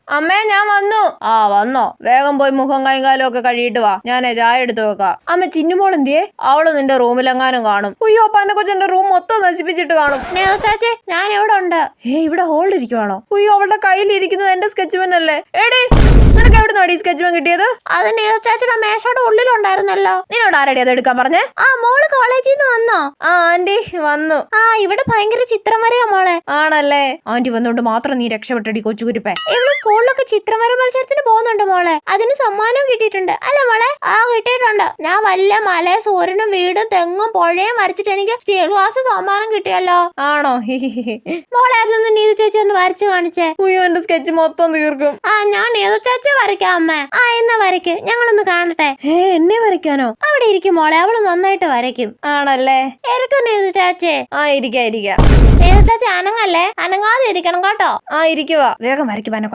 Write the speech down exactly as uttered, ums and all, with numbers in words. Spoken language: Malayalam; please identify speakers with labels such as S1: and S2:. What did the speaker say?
S1: അമ്മേ ഞാൻ വന്നു. ആ വന്നോ? വേഗം പോയി മുഖം കൈകാലും ഒക്കെ കഴിയിട്ട് വാ, ഞാനേ ചായ എടുത്തു വെക്കാം. അമ്മ ചിന്നുമോൾ എന്തിയേ? അവള് നിന്റെ റൂമിലെങ്ങാനും കാണും. അയ്യോ പന്ന കൊച്ചെന്റെ റൂം മൊത്തം നശിപ്പിച്ചിട്ട് കാണും.
S2: ചാച്ചേ ഞാൻ ഇവിടെ ഉണ്ട്.
S1: ഏ ഇവിടെ ഹോളിൽ ഇരിക്കുവാണോ? അയ്യോ അവളുടെ കയ്യിൽ ഇരിക്കുന്നത് എന്റെ സ്കെച്ച് പെൻ അല്ലേ? എടി നിനക്ക് എവിടെ നിന്നാണ് ഈ സ്കെച്ച് പെൻ കിട്ടിയത്?
S2: അത് ചാച്ചിയുടെ മേശയുടെ ഉള്ളിലുണ്ടായിരുന്നല്ലോ.
S1: നിന്നോട് ആരടി അത് എടുക്കാൻ പറഞ്ഞേ?
S2: ആ മോള് കോളേജിൽ നിന്ന് വന്നോ?
S1: ആ ആന്റി വന്നു.
S2: ആ ഇവിടെ ഭയങ്കര ചിത്രം വരയോ മോളെ?
S1: ആണല്ലേ? ആന്റി വന്നോണ്ട് മാത്രം നീ രക്ഷപ്പെട്ടടി കൊച്ചുകുരിപ്പേ.
S2: ഇവിടെ സ്കൂളിലൊക്കെ ചിത്രം വര മത്സരത്തിന് പോകുന്നുണ്ട് മോളെ. അതിന് സമ്മാനവും കിട്ടിയിട്ടുണ്ട് അല്ലേ മോളെ? ആ കിട്ടിയിട്ടുണ്ട്. ഞാൻ വല്ല മല സൂര്യനും വീടും തെങ്ങും പുഴയും വരച്ചിട്ട് എനിക്ക് സ്റ്റീൽ ഗ്ലാസ് സമ്മാനം കിട്ടിയല്ലോ.
S1: ആണോ?
S2: മോളെ അതൊന്ന് നീതു ചേച്ചി ഒന്ന് വരച്ചു കാണിച്ചേ.
S1: അയ്യോ എന്റെ സ്കെച്ച് മൊത്തം തീർക്കും.
S2: ആ ഞാൻ നീതു ചേച്ചി വരയ്ക്കാം അമ്മേ. ആ എന്നാ വരയ്ക്ക്, ഞങ്ങളൊന്ന് കാണട്ടെ.
S1: ഏ എന്നെ വരയ്ക്കാനോ?
S2: അവിടെ ഇരിക്കും മോളെ, അവള് നന്നായിട്ട് വരയ്ക്കും.
S1: ആണല്ലേ?
S2: ഇരിക്കും നീതു ചേച്ചി.
S1: ആ ഇരിക്കാം ഇരിക്കാം.
S2: നീതു ചേച്ചി അനങ്ങല്ലേ, അനങ്ങാതെ ഇരിക്കണം കേട്ടോ.
S1: ആ ഇരിക്കുവാ. വേഗം വരയ്ക്കും.